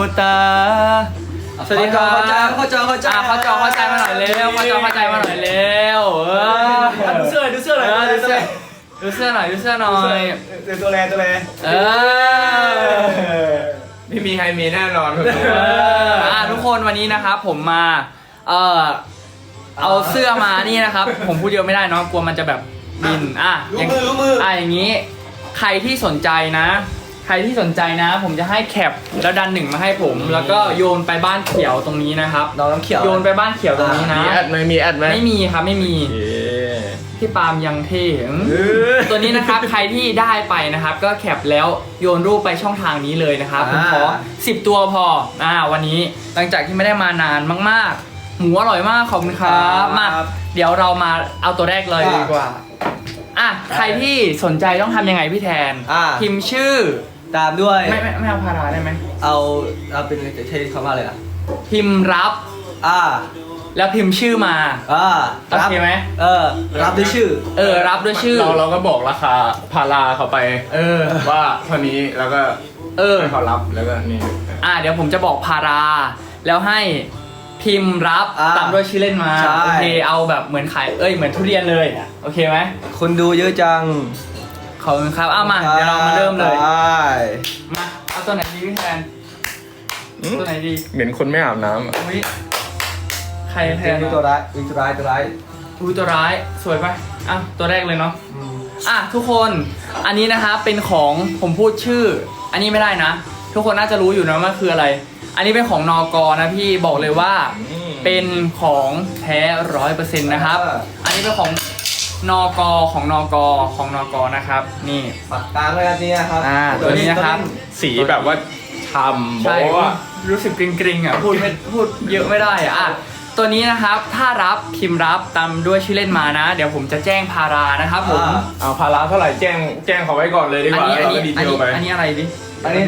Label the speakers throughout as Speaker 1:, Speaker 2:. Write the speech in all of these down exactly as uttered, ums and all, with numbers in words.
Speaker 1: ตาสวัสดีครับ
Speaker 2: เข้าใจเข้าใจเข้าใจ
Speaker 1: เข้าจอเข้าใจมาหน่อยเร็วเข้าจอเข้าใจมาหน่อยเร็วเออ
Speaker 2: ดูเสื้อดูเสื้อหน่อย
Speaker 1: ดูเสื้อดูเสื้อหน่อยดูเสื้อหน่อย
Speaker 2: ตัวแรงตัวแรง
Speaker 1: เออ
Speaker 3: ไม่มีใครมีแน่นอน
Speaker 1: เอออ่ะทุกคนวันนี้นะครับผมมาเออเอาเสื้อมานี่นะครับ ผมพูดเยอะไม่ได้เนาะกลัวมันจะแบบบินอ่ะ
Speaker 2: รู้มือรู้มือ
Speaker 1: อ่ะอย่างนี้ใครที่สนใจนะ ใครที่สนใจนะ ผมจะให้แคปแล้วดันหนึ่งมาให้ผม แล้วก็โยนไปบ้านเขียวตรงนี้นะครับ
Speaker 2: น้องน้ำเขียว
Speaker 1: โยนไปบ้านเขียวตรงนี้นะ
Speaker 3: มีแอดไหมมีแอดไหม
Speaker 1: ไม่มีครับไม่มี
Speaker 3: เย้
Speaker 1: พี่ปาล์มยังเท่ตัวนี้นะครับใครที่ได้ไปนะครับ ก็แคปแล้วโยนรูปไปช่องทางนี้เลยนะครับผมขอสิบตัวพออ่าวันนี้หลังจากที่ไม่ได้มานานมากๆหมูอร่อยมากขอบคุณครับมาเดี๋ยวเรามาเอาตัวแรกเลยดีกว่าอ่ะใครที่สนใจต้องทำยังไงพี่แทน
Speaker 2: อ่า
Speaker 1: พิมพ์ชื่อ
Speaker 2: ตามด้วย
Speaker 1: ไม่ไม่ไม่เอาพาราได้ไหม
Speaker 2: เอาเอาเป็นใช้คำว่าอะไรอ่ะ
Speaker 1: พิมพ์รับ
Speaker 2: อ่า
Speaker 1: แล้วพิมพ์ชื่อมา
Speaker 2: อ่า
Speaker 1: โอเคไหม
Speaker 2: เออรับด้วยชื่อ
Speaker 1: เออรับด้วยชื่อ
Speaker 3: เราเราก็บอกราคาพาราเขาไป
Speaker 1: เออ
Speaker 3: ว่าเท่านี้แล้วก็
Speaker 1: เออ
Speaker 3: ให้เขารับแล้วก็นี่
Speaker 1: อ่าเดี๋ยวผมจะบอกพารา แล้วให้พิมพ์รับ
Speaker 2: อ่า
Speaker 1: ตามด้วยชื่อเล่นมา
Speaker 2: ใช่
Speaker 1: โอเคเอาแบบเหมือนขายเอ้ยเหมือนทุเรียนเลยโอเคไหม
Speaker 2: คนดูเยอะจัง
Speaker 1: ขอบคุณครับเอามาเดี๋ยวเรามาเริ่มเลย
Speaker 2: ไป
Speaker 1: มาเอาตัวไหนดีพี่แทนตัวไหนดี
Speaker 3: เหม็นคนไม่อาบน้ำอะ
Speaker 1: อุ๊ยใครแทน
Speaker 2: มีตัวร้ายมีตัวร้ายตัวร้าย
Speaker 1: อุ้ยตัวร้ายสวยปะอ่ะตัวแรกเลยเนาะอ่ะทุกคนอันนี้นะคะเป็นของผมพูดชื่อ อันนี้ไม่ได้นะ ทุกคนน่าจะรู้อยู่นะว่าคืออะไร อันนี้เป็นของนกนะพี่บอกเลยว่า เป็นของแท้ร้อยเปอร์เซ็นต์นะครับ อันนี้เป็นของนกของนกของนกนะครับ นี่
Speaker 2: ปากกลางเลยอันนี้นะครับ
Speaker 1: อ่าตัวนี้นะครับ
Speaker 3: สีแบบว่าทำ
Speaker 1: ใช่
Speaker 3: โบ๊ะอะ
Speaker 1: รู้สึกกริงๆอ่ะพูดไม่พูดเยอะไม่ได้อ่ะอ่ะตัวนี้นะครับถ้ารับพิมพ์รับตามด้วยชื่อเล่นมานะ เดี๋ยวผมจะแจ้งพารานะครับผม
Speaker 2: อ่า
Speaker 3: เอาพาราเท่าไหร่แจ้งแจ้งเขาไว้ก่อนเลยดีก
Speaker 1: อัน
Speaker 3: ว่า
Speaker 1: นี้อัน
Speaker 3: แล้ว
Speaker 1: นี้
Speaker 3: ก็ดี
Speaker 1: อั
Speaker 3: เท
Speaker 1: น
Speaker 3: ล
Speaker 1: นี้
Speaker 3: ไป
Speaker 1: อันนี้อะไรดิ
Speaker 2: อันนี้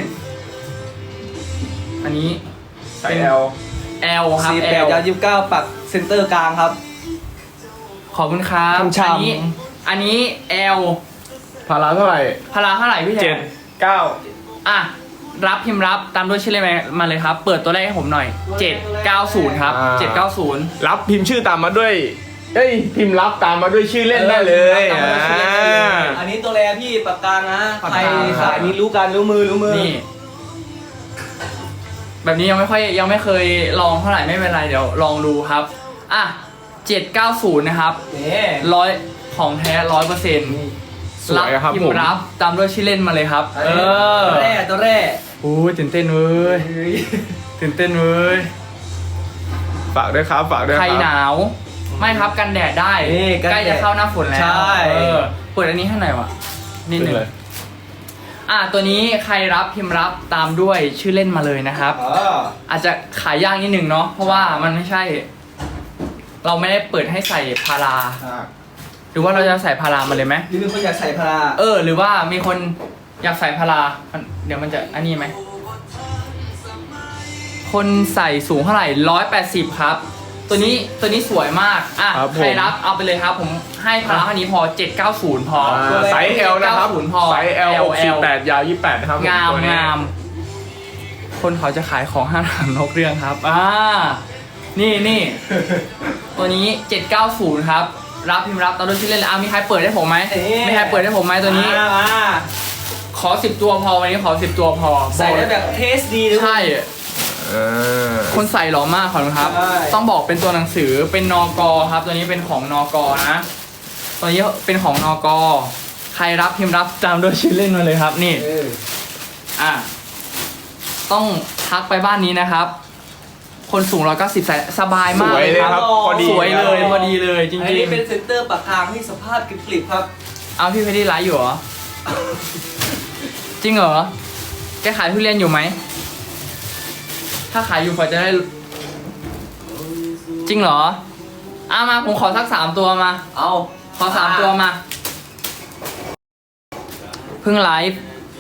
Speaker 1: อันนี้
Speaker 3: ใส่ L
Speaker 1: L ครับ
Speaker 2: สี่แปด
Speaker 1: L
Speaker 2: ยาวยี่สิบเก้าปักเซนเตอร์กลางครับ
Speaker 1: ขอบคุณครับ
Speaker 2: ช่ำๆ
Speaker 1: อันนี้อันนี้ L
Speaker 3: พาราเท่าไหร่
Speaker 1: พาราเท่าไหร่พี่แท
Speaker 3: เจ็ด
Speaker 1: น
Speaker 3: เก้า
Speaker 1: อ่ะรับพิมพ์รับตามด้วยชื่อเล่นมาเลยครับ เปิดตัวแรกให้ผมหน่อยเจ็ดเก้าศูนย์ครับเจ็ดเก้าศูนย์
Speaker 3: รับพิมพ์ชื่อตามมาด้วยเอ้ยพิมพ์รับตามมาด้วยชื่อเล่นได้เลย
Speaker 1: เออพิมพ์รับตามมาด้วยชื่อเล่นได้เลย
Speaker 3: อ่า
Speaker 2: อันนี้ตัวแรพี่ปากกลางนะ
Speaker 1: ปาก
Speaker 2: ใคร
Speaker 1: กลาง
Speaker 2: สายนี้รู้กันรู้มือรู้มือ
Speaker 1: นี่ แบบนี้ยังไม่ค่อยยังไม่เคยลองเท่าไหร่ไม่เป็นไรเดี๋ยวลองดูครับอ่ะเจ็ดเก้าศูนย์นะครับ
Speaker 2: นี่
Speaker 1: ร้อยของแท้ร้อยเปอร์เซ็นต์
Speaker 3: สวยครับ
Speaker 1: พิม
Speaker 3: ผม
Speaker 1: พ์รับตามด้วยชื่อเล่นมาเลยครับ เออ
Speaker 2: ตัวแรกตัวแรก
Speaker 1: โอ้ยตื่นเต้นเว้ยตื่นเต้นเว้ย
Speaker 3: ฝากด้วยครับฝากด้วย
Speaker 1: ใค
Speaker 3: ค
Speaker 1: ร
Speaker 3: รับ
Speaker 1: หนาวไม่ครับกันแดดได้
Speaker 2: นี่กัน
Speaker 1: ใกล้
Speaker 2: แด
Speaker 1: จะ
Speaker 2: ด
Speaker 1: เข้าหน้าฝนแล้ว
Speaker 2: ใช่
Speaker 1: เออเปิดอันนี้ให้หน่อยวะนิดหนึ่ง
Speaker 3: เลย
Speaker 1: อ่ะตัวนี้ใครรับพิมพ์รับตามด้วยชื่อเล่นมาเลยนะครับ
Speaker 2: เออ
Speaker 1: อาจจะขายยากนิดหนึ่งเนาะเพราะว่ามันไม่ใช่ เราไม่ได้เปิดให้ใส่พารา
Speaker 2: อ่ะ
Speaker 1: หรือว่าเราจะใส่พารามาเลยไหม
Speaker 2: นี่มีคนอยากใส่พารา
Speaker 1: เออ หรือว่ามีคนอยากใส่พารามันเดี๋ยวมันจะอันนี้ไหมคนใส่สูงเท่าไหร่ร้อยแปดสิบครับ ตัวนี้ตัวนี้สวยมากอ่ะ
Speaker 3: ครับผม
Speaker 1: ใครรับเอาไปเลยครับ ผมให้พาราเท่านี้พอเจ็ดเก้าศูนย์พอ
Speaker 3: อ่าไซส์ L นะครับ
Speaker 1: เก้าศูนย์พอ
Speaker 3: ไซส์ L หกสิบแปดยาวยี่สิบแปดนะครับผ
Speaker 1: งาม
Speaker 3: ตัวนี้
Speaker 1: งาม คนเขาจะขายของห้างหางนกเรื่องครับ อ่า นี่นี่ ตัวนี้เจ็ดเก้าศูนย์ครับ รับพิมพ์รับตอนด้วยชื่อเล่นแล้วอ่ะมีใครเปิดให้ผมไหมมีใครเปิดให้ผมไหมตัวนี้
Speaker 2: มามา
Speaker 1: ขอสิบตัวพอวันนี้ขอสิบตัวพอ
Speaker 2: ใส่ได้แบบเทสดีด้วย
Speaker 1: ใช่
Speaker 3: อ่า
Speaker 1: คนใส่หล่อมากขอบคุณครับ
Speaker 2: ใช่
Speaker 1: ต้องบอกเป็นตัวหนังสือเป็นนกครับ ตัวนี้เป็นของนกนะ ตัวนี้เป็นของนกใครรับพิมพ์รับตามด้วยชื่อเล่นมาเลยครับ นี่
Speaker 2: เออ
Speaker 1: อ่ะ ต้องทักไปบ้านนี้นะครับ คนสูงร้อยเก้าสิบสบาย
Speaker 3: ส
Speaker 1: มาก
Speaker 3: วย
Speaker 1: เลย
Speaker 3: เลย
Speaker 1: ค
Speaker 3: ครับ รับพอดี
Speaker 1: สวยเลยพอดีเลยจ
Speaker 2: อัน
Speaker 1: ริง
Speaker 2: นี้เป็นเซนเตอร์ปากกลางที่สภาพกริบๆครับ
Speaker 1: ๆ เอาพี่เพชรไลฟ์อยู่เหรอ จริงเหรอ แกขายทุเรียนอยู่ไหม ถ้าขายอยู่พอจะได้ จริงเหรออ่ะมาผมขอสักสามตัวมา
Speaker 2: เอา
Speaker 1: ขอสามตัวมา เพิ่งไลฟ์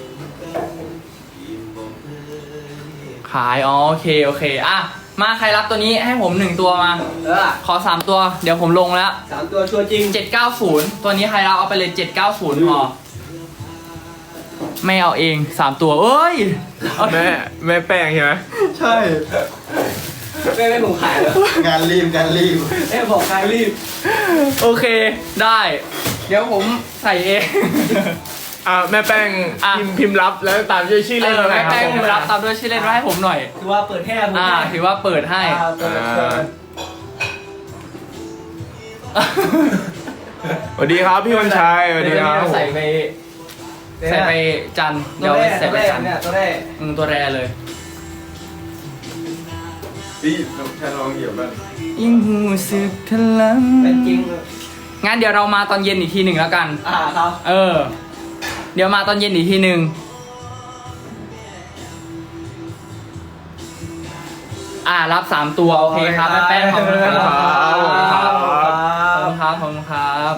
Speaker 1: ขาย อ๋อโอเค โอเค อ่ะ มาใครรับตัวนี้ให้ผมหนึ่งตัวมา
Speaker 2: เออ
Speaker 1: ขอสามตัว เดี๋ยวผมลงแล้ว
Speaker 2: สามตัวชัวร์จริง
Speaker 1: เจ็ดเก้าศูนย์ตัวนี้ใครรับเอาไปเลยเจ็ดเก้าศูนย์พอไม่เอาเองสามตัวเอ้ยเอา
Speaker 3: แม่แม่แป้งใช่ไหม
Speaker 2: ใช่ไม่ไม่ผมขายเหรอง
Speaker 4: านรีบงานรีบ
Speaker 2: เอ้บอกขายรีบ
Speaker 1: โอเคได้ เดี๋ยวผมใส่เอง
Speaker 3: อ่าแม่แป้ง
Speaker 1: อ่ะ
Speaker 3: พิมพ์พิมพ์รับแล้วตามด้วยชื่อ
Speaker 1: เอ
Speaker 3: เล่น
Speaker 1: อ
Speaker 3: มาไหม
Speaker 1: แม่
Speaker 3: ครับ
Speaker 1: แป้ง
Speaker 3: ผม
Speaker 1: รับตามด้วยชื่อเล่นมาให้ผมหน่อย
Speaker 2: คือว่าเปิดแห้ง
Speaker 1: อ่าถือว่าเปิดให้
Speaker 2: อ่าเปิดเปิด
Speaker 3: สวัสดีครับพี่วันชัยสวัสดีครับ
Speaker 1: เยวใส่ไปใส่ไปจันทร์
Speaker 2: ตั
Speaker 1: เดี๋ยว ว
Speaker 2: แรก
Speaker 1: ใส่
Speaker 2: ตัว
Speaker 1: ไป
Speaker 2: แรก
Speaker 1: จันทร์
Speaker 2: เนี่ยตัวแรก
Speaker 1: อืมตัวแรเลย
Speaker 3: พี่แค่ลองเหยียบบ้าง
Speaker 1: ยิ่งหูสึกทะลัง
Speaker 2: เป็นจริง
Speaker 1: งั้นเดี๋ยวเรามาตอนเย็นอีกทีหนึ่งแล้วกัน
Speaker 2: อ่าครับ
Speaker 1: เออ เดี๋ยวมาตอนเย็นอีกทีหนึ่งอ่ารับสามตัวโอเคครับแม่แป้งขอบคุณครับขอบคุณครับขอบคุณครับขอบคุณครับ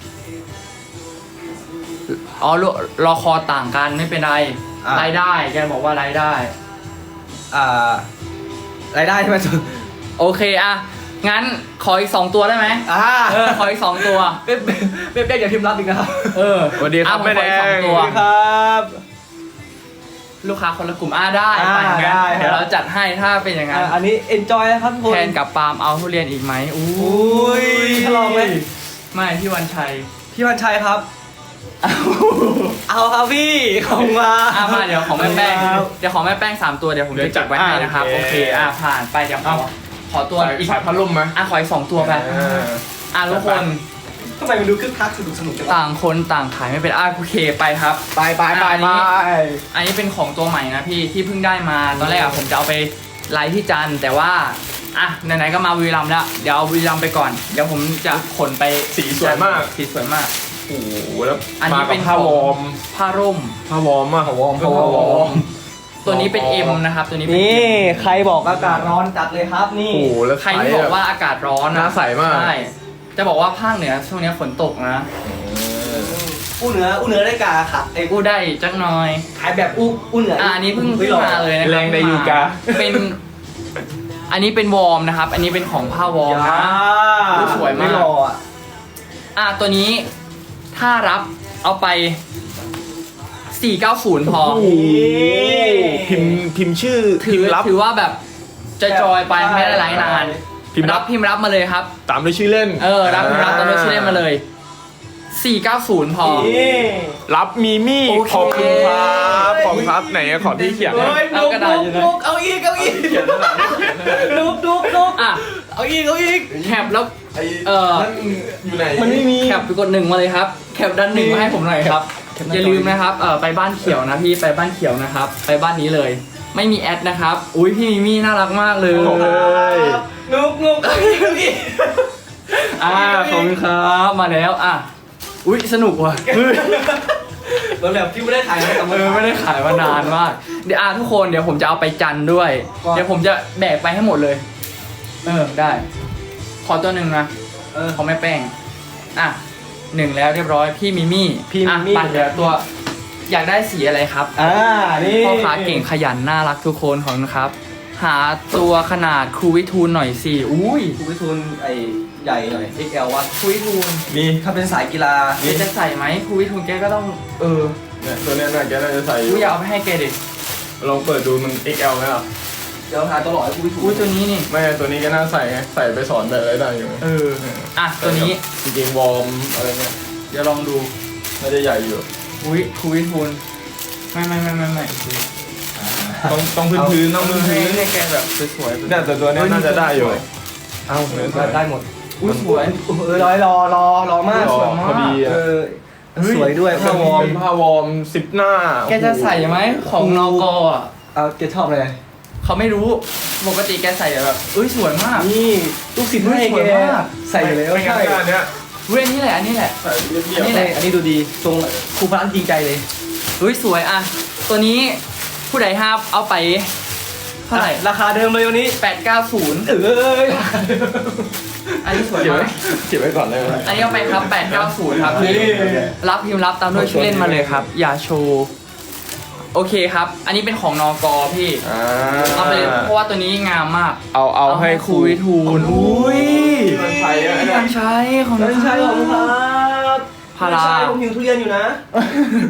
Speaker 1: อ๋อรอรอคอต่างกันไม่เป็นไรรายได้แกบอกว่ารายได้
Speaker 2: อ่ารายได้ใช่ไหมจุน
Speaker 1: โอเคอะงั้นขออีกสองตัวได้ไหม
Speaker 2: อ่า
Speaker 1: เออขออีกสองตัว
Speaker 2: เป็นเป็นเป็นอย่าพิมพ์รับอีกนะครับ
Speaker 1: เออ
Speaker 3: สวัสดีครับ
Speaker 1: อ่ะผม
Speaker 3: แม่
Speaker 1: ข
Speaker 3: แด
Speaker 1: ออีกสอง
Speaker 3: ง
Speaker 1: ตัว
Speaker 2: ครับ
Speaker 1: ลูกค้าคนละกลุ่มอ่าได้
Speaker 2: อ่า
Speaker 1: ไปงั้น
Speaker 2: ได้ครับ
Speaker 1: เดี๋ยวเราจัดให้ถ้าเป็นอย่างนั้น
Speaker 2: อ่าอันนี้ enjoy นะครับทุกคน
Speaker 1: แทนกับปาล์มเอาทุเรียนอีกไหมอู้
Speaker 2: อุ้ยทดลองไหม
Speaker 1: ไม่พี่วันชัย
Speaker 2: พี่วันชัยครับ
Speaker 1: เอา
Speaker 2: เอาครับพี่ของมา
Speaker 1: อ่ะมาเดี๋ยวของแม่แป้ง
Speaker 2: ครับ
Speaker 1: เดี๋ยวของแม่แป้งสามตัวเดี๋ยวผมจะจัดไว้ให้นะครับโอเคอ่ะผ่านไปเดี๋ยวขอขอตัว
Speaker 3: ใส่
Speaker 1: อีก
Speaker 3: ใส่พัดลมไหม
Speaker 1: อ่ะขออีกสองตัวไป
Speaker 3: เออ
Speaker 1: อ่ะทุกคน
Speaker 2: ทำไมมันดูคึกคักสนุกสนุกจังวะ
Speaker 1: ต่างคนต่างขายไม่เป็นอ่ะโอเคไปครับ
Speaker 2: ไปไปไป
Speaker 1: อัน
Speaker 2: ไป
Speaker 1: นี้ อันนี้เป็นของตัวใหม่นะพี่ที่เพิ่งได้มาตอนแรกอะผมจะเอาไปไลฟ์ที่จันทร์แต่ว่าอ่ะไหนๆก็มาบุรีรัมย์แล้วเดี๋ยวเอาบุรีรัมย์ไปก่อนเดี๋ยวผมจะขนไป
Speaker 3: สีสวยมาก
Speaker 1: สีสวยมาก
Speaker 3: โอ้โหแล้ว
Speaker 1: อันนี้
Speaker 3: มา
Speaker 1: เป็
Speaker 3: กับ
Speaker 1: น
Speaker 3: ผ้าวอร์ม
Speaker 1: ผ้าร่ม
Speaker 3: ผ้าวอร์มอ่ะผ้าวอร์ม
Speaker 1: ผ้าวอร์ม ตัวนี้เป็น M นะครับตัวนี้เป็น
Speaker 2: นี่
Speaker 1: M
Speaker 2: ใครบอกอากาศร้อนจัดเลยครับนี่
Speaker 3: โอ้โหแล้ว
Speaker 1: ใครที่บอกว่าอากาศร้อน
Speaker 3: หน้าใสมาก
Speaker 1: ใช่จะบอกว่าภาคเหนือช่วงนี้ฝนตกนะ
Speaker 2: อู้เหนืออู้เหนือได้กาค่ะไอ้
Speaker 1: กูได้จักหน่อย
Speaker 2: ขายแบบอู้อู้เหนือ
Speaker 1: อ่ะ
Speaker 2: อ่ะ
Speaker 1: อันนี้เพิ่งเพิ่งมาเลยนะครับ
Speaker 3: แรงในยูกา
Speaker 1: เป็น อันนี้เป็นวอร์มนะครับ อันนี้เป็นของผ้าวอร์มนะ อู้สวยมาก
Speaker 2: ไม่รออ่ะ
Speaker 1: อ่ะตัวนี้ถ้ารับเอาไปสี่เก้าศูนย์พอ
Speaker 3: โอ้โหพิมพ์พิมพ์ชื่อ
Speaker 1: ถื
Speaker 3: พิ
Speaker 1: อ
Speaker 3: มพ์รับ
Speaker 1: ถือว่าแบบจะจอยไปไม่ได้ไลฟ์นาน
Speaker 3: พิมพ์รั
Speaker 1: รับ บพิมพ์รับมาเลยครับ
Speaker 3: ตามด้วยชื่อเล่น
Speaker 1: เออรับพิมพ์รับตอนนี้ชื่อเล่นมาเลยสี่เก้าศูนย์พอ
Speaker 2: นี่
Speaker 3: รับมีมี่
Speaker 1: โอเค
Speaker 3: ขอบคุณครับขอบคุณครับไหนขอที่เขียน
Speaker 2: เฮ้ย
Speaker 1: เอา
Speaker 2: นุก
Speaker 1: กระดาษ
Speaker 2: นุ
Speaker 1: อยู่
Speaker 2: ก
Speaker 1: นะ
Speaker 2: นุกเอาอีกเอาอีกนุกนุกนุก
Speaker 1: อ่ะ
Speaker 2: เอาอีกเอาอีก
Speaker 1: แคปแล้ว เออ
Speaker 3: นั่นอยู่ไหน
Speaker 2: มันไม่มี
Speaker 1: แคปไปกดหนึ่งมาเลยครับ แคปด้านหนึ่งมาให้ผมหน่อยครับ
Speaker 2: แคปหน้าจอ
Speaker 1: อย่าลืมนะครับ เออไปบ้านเขียวนะพี่ ไปบ้านเขียวนะครับ ไปบ้านนี้เลย ไม่มีแอดนะครับ อุ้ยพี่มิมี่น่ารักมากเลย
Speaker 3: โอ้ย
Speaker 2: นุกนุกเอาอีกเอาอีก
Speaker 1: อ่าขอบคุณครับ มาแล้ว อ่ะ อุ้ยสนุกว่ะ
Speaker 2: เหมือนแบบที่ไม่ได้ถ่ายนะแต่
Speaker 1: เออไม่ได้ขายมานานมาก เดี๋ยวอ่ะทุกคนเดี๋ยวผมจะเอาไปจันทร์ด้วย
Speaker 2: ว่า
Speaker 1: เดี๋ยวผมจะแบกไปให้หมดเลย เออได้ ขอตัวหนึ่งนะ
Speaker 2: เออ
Speaker 1: เขาไม่แป้ง อ่ะหนึ่งแล้วเรียบร้อย พี่มิมี่
Speaker 2: พี่มิมี่
Speaker 1: อ่ะไปเดี๋ยวตัว อยากได้สีอะไรครับ
Speaker 2: อ่านี่
Speaker 1: พ่อค้าเก่งขยันน่ารักทุกคนของนะครับ หาตัวขนาดครูวิทูลหน่อยสิ อุ้ย
Speaker 2: คุณวิทูลไอ้ใหญ่หน่อย เอ็กซ์ แอล วะ
Speaker 1: ครูวิทูล
Speaker 3: นี่
Speaker 2: ถ้าเป็นสายกีฬา
Speaker 1: แกจะใส่ไหมครูวิทูลแกก็ต้อง เออ
Speaker 3: เนี่ยตัวเนี้ยน่าแกน่าจะใส่อ
Speaker 1: กู
Speaker 3: ยู่
Speaker 1: อยากเอาไปให้แกดิ
Speaker 3: ลองเปิดดูมัน เอ็กซ์ แอล ไหมล่ะ
Speaker 2: เดี๋ยวหาตัวหล่อให้คุณวิทูล
Speaker 1: อุ้ยตัวนี้นี่
Speaker 3: ไม่ตัวนี้ก็น่าใส่ไงใส่ไปสอนแบบอะไรได้อยู่
Speaker 1: เออ อ่ะตัวนี้
Speaker 3: จริงๆวอร์มอะไรเนี่ย
Speaker 1: เดี๋ยวลองดู
Speaker 3: น่าจะใหญ่อยู่
Speaker 1: อุ้ยครูวิทูลไม่ไม่ไม่ไม่ไม่
Speaker 3: ต้องต้องพื้นพื้นๆต้องพื้น
Speaker 1: ให้
Speaker 3: พื้น
Speaker 1: ให้แกแบบสวยๆ
Speaker 3: เนี่ยแต่ตัวเนี้ยน่าจะได้อยู่
Speaker 2: เอ้าได้หมด
Speaker 1: อุ้ยสวย
Speaker 2: เออรอรอรอรอมาก
Speaker 3: รอ
Speaker 2: สวยมาก
Speaker 3: พอดีอะ
Speaker 2: เออสวยด้วย
Speaker 3: ผ้า
Speaker 2: ผ้าว ว
Speaker 3: อ
Speaker 2: อ
Speaker 3: ร์
Speaker 2: ร์
Speaker 3: ม
Speaker 2: ม
Speaker 3: ผ้าวอร์มสิบหน้า
Speaker 1: แกจะใส่ไหมของนกอ่ะ
Speaker 2: เอาแกชอบอะไร
Speaker 1: เขาไม่รู้ ปกติแกใส่แบบเอ้ยสวยมาก
Speaker 2: นี่ลูกศิษย์ให้
Speaker 1: ส
Speaker 2: แก
Speaker 1: วยมาก
Speaker 2: ใส่อยู่แล้ว
Speaker 3: ไม่งั้น
Speaker 2: ใช่
Speaker 3: ก็อันเนี้ย
Speaker 1: เว้ยอันนี้แหละอันนี้แหละ
Speaker 3: ใส่เรียบ
Speaker 1: อันนี้
Speaker 3: ๆ
Speaker 1: แหละ
Speaker 2: อันนี้ดูดีทรงครูพระจริงใจเลย
Speaker 1: เฮ้ยสวยอ่ะ ตัวนี้ผู้ใดห้าเอาไปเท่าไหร่
Speaker 2: ราคาเดิมเลยวันนี้
Speaker 1: แปดเก้าศูนย์
Speaker 2: เอ้ย
Speaker 1: อันนี้สวย
Speaker 3: เก็บ
Speaker 1: มา
Speaker 3: ไว้
Speaker 1: ก
Speaker 3: เก็บไว้ก่อนเลยไหม
Speaker 1: อันนี้เอาไปครับแปดเก้าศูนย์ครับพี่รับพิมพ์รับตามด้วยชื่อเล่นมาเลยครับ อย่าโชว์โอเคครับ อันนี้เป็นของนกพี่
Speaker 3: อ่า
Speaker 1: เอาไปเลยเพราะว่าตัวนี้งามมาก
Speaker 3: เอาเอาให้ครู
Speaker 1: วิทูลอุ้ย
Speaker 3: มันใช้อะ
Speaker 1: พี่
Speaker 3: เนี่
Speaker 1: วั
Speaker 3: ย
Speaker 1: นชัยของ
Speaker 2: ไม่ใช่ของครับ
Speaker 1: พารา
Speaker 2: ไม่ใช่ผมหิวทุเรียนอยู่นะ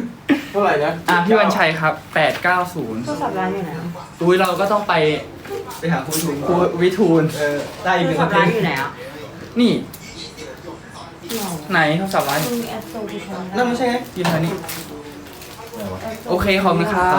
Speaker 3: เท่าไหร่นะ
Speaker 1: อ่ะพี่วันชัยครับแปดเก้าศูนย์
Speaker 2: โทรศัพท์ร้านอยู่ไหน
Speaker 1: อุ้ยเราก็ต้องไป
Speaker 4: ไปหาคุณถุง
Speaker 1: ครูวิทูล
Speaker 4: เออได้
Speaker 2: โท
Speaker 4: อีก
Speaker 2: ร
Speaker 4: หนึ่ง
Speaker 2: ศัพ
Speaker 4: นา
Speaker 2: ท์
Speaker 4: ที
Speaker 2: ร้านอยู่ไหนอ่ะ
Speaker 1: นี่
Speaker 2: ที่ไหน
Speaker 1: ไหนโทรศัพท์ร้าน
Speaker 2: มึงแอดโซที่ทำ
Speaker 4: นั่นไม่ใช่ไง
Speaker 1: ยืนทางนี้โอเคขอบคุณครับ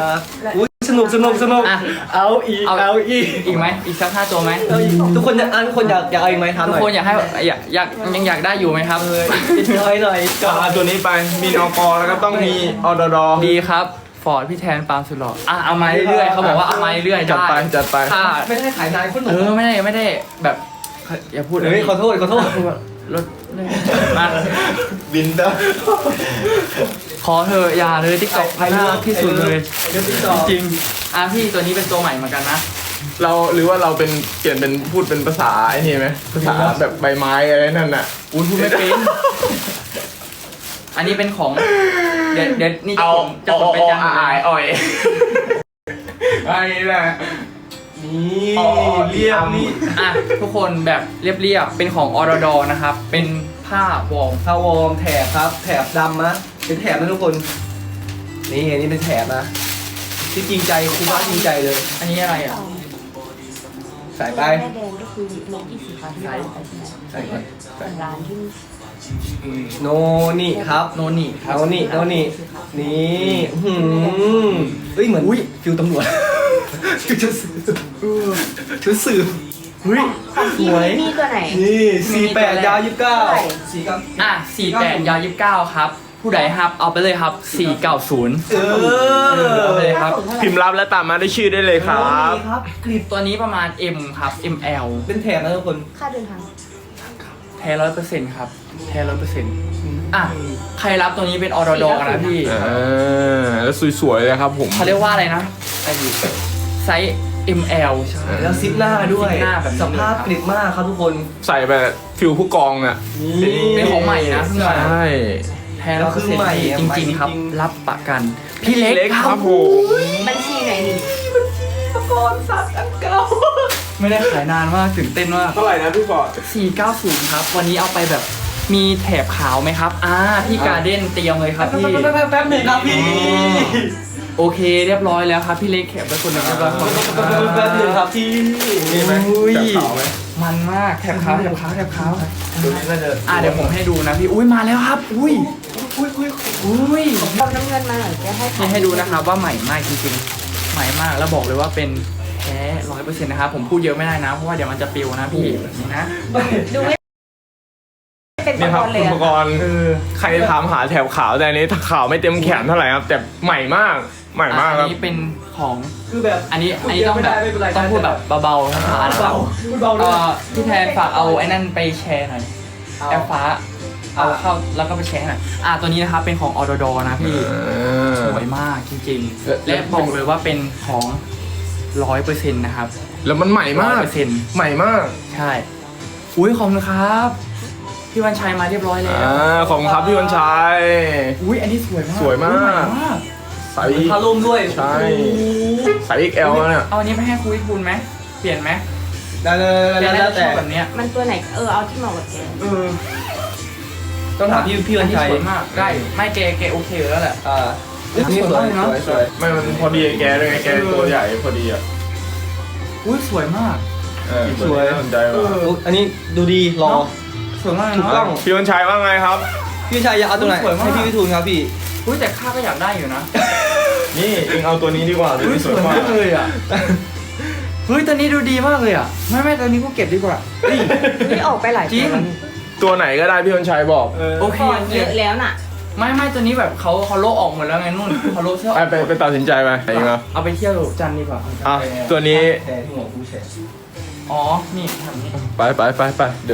Speaker 4: อุ้ยสนุกสนุกสนุก
Speaker 1: อ่ะ
Speaker 4: เอาอีก
Speaker 1: เอา
Speaker 4: เอาอีก
Speaker 1: อีกไหมอีกสักห้าตัวไหม
Speaker 4: เอาอีกทุกคนอยากอ่ะทุกคนอยากอยากเอาอีกไหมถามห
Speaker 1: ทุก
Speaker 4: น่อย
Speaker 1: คนอยากให้อยากอยากยังอยากได้อยู่ไหมครับ
Speaker 4: เอออีกหน่อยหน่อยก่อน
Speaker 3: เอาตัวนี้ไปมีนกแล้วก็ต้องมีอดด
Speaker 1: ดีครับฟอร์ดพี่แทนปาล์มสุดหล่ออ่ะเอามาเรื่อยๆเขาบอกว่าเอามาเรื่อยๆ
Speaker 3: จัดไป
Speaker 1: ได้
Speaker 3: จัดไป
Speaker 1: ถ้า
Speaker 4: ไม่ได้ขายนานคนห
Speaker 1: เอ
Speaker 4: นุ่ม
Speaker 1: อไม่ได้ไม่ได้แบบอย่าพูด
Speaker 4: เฮ้ยขอโทษขอโทษ
Speaker 1: รถมา
Speaker 3: บินได้
Speaker 1: ขอเธอะอย่าเลยติ๊กต็อกน่ารักที่สุดเลย
Speaker 4: เดี๋ยวพี่ต่อ
Speaker 1: จริงอ่ะพี่ตัวนี้เป็นตัวใหม่เหมือนกันนะ
Speaker 3: เราหรือว่าเราเป็นเปลี่ยนเป็นพูดเป็นภาษาไอ้นี่ไหมภาษาแบบใบไม้อะไรนั่นน่ะ
Speaker 1: อุ้ยพูดไม่เป็นอันนี้เป็นของเดี๋ยวเดี๋ยวนี่จะ
Speaker 3: เอา
Speaker 1: ขนจะขนไปจัง
Speaker 3: อายอ่อยไอ้นี่แหละ
Speaker 4: นี่
Speaker 3: อ๋อ
Speaker 4: เรียบนี่
Speaker 1: อ่ะทุกคนแบบเรียบๆเป็นของออร์ดอนะครับ เป็นผ้าวอร์ม
Speaker 4: พาวอร์มแถบครับ แถบดำนะเป็นแถบนะทุกคน นี่อันนี้เป็นแถบนะ ที่จริงใจครูบ้าจริงใจเลย
Speaker 1: อันนี้อะไรอ่ะ
Speaker 4: ใส่ไป
Speaker 2: แม่แดงก็คือโลกี้สีฟ้าที่เราไปใช่ไหม
Speaker 4: ใส่ไปใส่
Speaker 2: ร้านที่
Speaker 4: โนนี่ครับ
Speaker 1: โนนี่ครับ
Speaker 4: โนนี่โนนี่นี่หืมเฮ้ยเหมือนฟิวตำรวจฟิวชุดสืบชุดสืบเฮ้ย
Speaker 2: ของ
Speaker 4: ส
Speaker 2: พี่
Speaker 4: วย
Speaker 2: มีตัวไหน
Speaker 4: นี่สี่แปดยาวยี่สิบเก้า
Speaker 2: เท่าไหร่
Speaker 4: สี่เก้า
Speaker 1: อ่ะสี่แปดยาวยี่สิบเก้าครับ ผู้ใดครับเอาไปเลยครับสี่เก้าศูนย์
Speaker 4: เออ
Speaker 1: เอาไปเลยครับ
Speaker 3: พิมพ์รับและตามมาด้วยชื่อได้เลยครับ
Speaker 4: นี่ครับกริบ
Speaker 1: ตัวนี้ประมาณ M ครับ M L
Speaker 4: เป็นแถบนะทุกคน
Speaker 2: ค่าเดินทาง
Speaker 1: แท้ร้อยเปอร์เซ็นต์ครับแท้ร้อยเปอร์เซ็นต์อ่ะใครรับตัวนี้เป็นออร์ดอนะพี่
Speaker 3: เออแล้วสวยๆเลยครับผม
Speaker 1: เขาเรียกว่าอะไรนะไอ้ไซส์ M L ใช่
Speaker 4: แล้วซิปหน้าด้วย
Speaker 1: ซิปหน้าแบบนี้
Speaker 4: สภาพกริบมากครับทุกคน
Speaker 3: ใส่ไปฟิลผู้กองน่ะ
Speaker 1: เป็นของใหม่นะเพิ่งมา
Speaker 3: ใช่
Speaker 1: แท้ร้อยเปอร์เซ็นต์
Speaker 4: ใหม่อะ
Speaker 1: จริงๆครับ
Speaker 4: ใหม่จริงๆ
Speaker 1: รับประกัน พี่เล็ก
Speaker 3: เล็ก
Speaker 1: ค
Speaker 3: ค
Speaker 1: รั
Speaker 3: รั
Speaker 1: บบ
Speaker 3: ผม
Speaker 2: บัญชีไหนนี่
Speaker 4: ตะกอนสัตว์อันเก่า
Speaker 1: ไม่ได้ขายนานมากตื่นเต้นมาก
Speaker 3: เท่าไหร่นะพี่ฟอร์ด
Speaker 1: สี่เก้าศูนย์ครับ วันนี้เอาไปแบบมีแถบขาวไหมครับ อ่าพี่การเด้นเตรียมเลยครับพี่
Speaker 4: แป๊บแป๊บแป๊บหนึ่งครับพี่
Speaker 1: โอเคเรียบร้อยแล้วครับพี่เล็กแขกไปคนหนึ่งเรียบร้อยครับ
Speaker 4: แป๊บแป๊บแป๊บหนึ่งครับพี่
Speaker 3: มีไหม
Speaker 1: อุ้ย
Speaker 3: จับขาวไหม
Speaker 1: มันมากแถบขาวแถบขาวแถบขาว
Speaker 4: ตัวนี้น่าจะ
Speaker 1: อ่าเดี๋ยวผมให้ดูนะพี่อุ้ยมาแล้วครับ อุ้ย
Speaker 4: อุ้ยอุ้ย
Speaker 1: อุ้ย
Speaker 2: เอาน้ำเงินมาหน่อยจะให้
Speaker 1: นี่ให้ดูนะครับว่าใหม่มากจริงๆ ใหม่มากแล้วบอกเลยว่าเป็นแท้ร้อยเปอร์เซ็นต์นะครับผมพูดเยอะไม่ได้นะเพราะว่าเดี๋ยวมันจะปิวนะพี่แบบนี้นะ
Speaker 2: ดูไม่เป็น
Speaker 3: นี่ครับ
Speaker 2: เล
Speaker 3: อุ
Speaker 2: ย
Speaker 3: ปกรณ์ใครถามหาแถบขาวแต่อันนี้ขาวไม่เต็มแขนเท่าไหร่ครับ แต่ใหม่มากใหม่มาก
Speaker 1: อั
Speaker 3: ครับ
Speaker 1: นี้เป็นของ
Speaker 4: คือแบบ
Speaker 1: อันนี้อันนี้ต้องแบบต้องพูดแบบเบาๆช้าๆนะครับ
Speaker 4: พูดเบาด้
Speaker 1: เอ่
Speaker 4: วย
Speaker 1: อพี่แทนฝากเอาไอ้นั่นไปแชร์หน่อยแอปฟ้าเอาเข้าแล้วก็ไปแชร์หน่อยอ่ะตัวนี้นะครับเป็นของออร์ดอนะพี่
Speaker 3: เออ
Speaker 1: สวยมากจริง
Speaker 3: เออ
Speaker 1: ๆ และบอกเลยว่าเป็นของร้อยเปอร์เซ็นต์นะครับ
Speaker 3: แล้วมันใหม่
Speaker 1: ร้อ
Speaker 3: มาย ก
Speaker 1: เปอร์เซ็นต์
Speaker 3: ใหม่มาก
Speaker 1: ใช่อุ้ยขอบคุณครับพี่วันชัยมาเรียบร้อยแล้ว
Speaker 3: อ่าของครับพี่วันชัย
Speaker 1: อุ้ยอันนี้สวยมาก
Speaker 3: สวยมาก
Speaker 1: อุ๊ใหมาก
Speaker 3: ใส่
Speaker 4: พาร่มด้วย
Speaker 3: ใช่ใส่ เอ็กซ์ แอล แล้วเนี่ย
Speaker 1: เอาอันนี้ไปให้คุยคุณไหมเปลี่ยนไหม
Speaker 4: ได้เลย
Speaker 1: เปลี่ยน
Speaker 4: แล้ว
Speaker 1: ได้ช
Speaker 4: แต่
Speaker 1: อบแบบเนี้ย
Speaker 2: มันตัวไหนเออเอาที่เหมาะกับแก
Speaker 1: เออ
Speaker 4: ต้องถามพี่พี่วันชัย
Speaker 1: อัสวยมากได้ไม่เกเกโอเคอยู่แล้วแหละ
Speaker 4: อ่า
Speaker 1: อุ๊ย
Speaker 4: นี่สวย
Speaker 1: สวยมากเนอะ
Speaker 4: สวยสวย
Speaker 3: ไม่มันพอดีแกด้วยไงแกตัวใหญ่พอดีอ่ะ
Speaker 1: อุ้ยสวยมาก
Speaker 3: เออตัวนี้น่าสนใจว่ะ
Speaker 4: อุ๊ยอันนี้ดูดีรอ
Speaker 1: เนอะ สวยมาก
Speaker 4: ถูก
Speaker 1: เนาะ
Speaker 4: ต้อง
Speaker 3: พี่วันชัยว่าไงครับ
Speaker 4: พี่วันชัยอยากเอาตัวไหน
Speaker 1: สวยมาก
Speaker 4: ให้พี่วิทูลครับพี่
Speaker 1: อุ้ยแต่ข้าก็อยากได้อยู่นะ
Speaker 3: นี่เองเอาตัวนี้ดีกว่าตัว
Speaker 1: อุ้ย
Speaker 3: นี้
Speaker 1: ส
Speaker 3: ส
Speaker 1: ว
Speaker 3: วย ย
Speaker 1: มาม
Speaker 3: าก ก
Speaker 1: เลยอ่ะเฮ้ยตัวนี้ดูดีมากเลยอ่ะไม่ไม่ตัวนี้กูเก็บดีกว่าเฮ้ย
Speaker 2: นี่ออกไปหลาย
Speaker 1: จริง
Speaker 2: ตัวแล้วนี่
Speaker 3: ตัวไหนก็ได้พี่วันชัยบอก
Speaker 1: โอเค
Speaker 2: ก่อนเยอะแล้วน่ะ
Speaker 1: ไม่ไม่ตัวนี้แบบเขาเขาโลกออกหมดแล้วไงนุ่นเขาโลกเสื้ออ
Speaker 3: ไป
Speaker 1: อก
Speaker 3: ไปไปตัดสินใจไปเองเหรอ
Speaker 1: เอาไปเที่ยวจันทร์ดีกว่า
Speaker 3: อ่ะตัวนี้
Speaker 4: แชร์ที่หัวกูแชร์
Speaker 1: อ๋อนี่ทำนี่
Speaker 3: ไปไปไปไปเดี๋ยว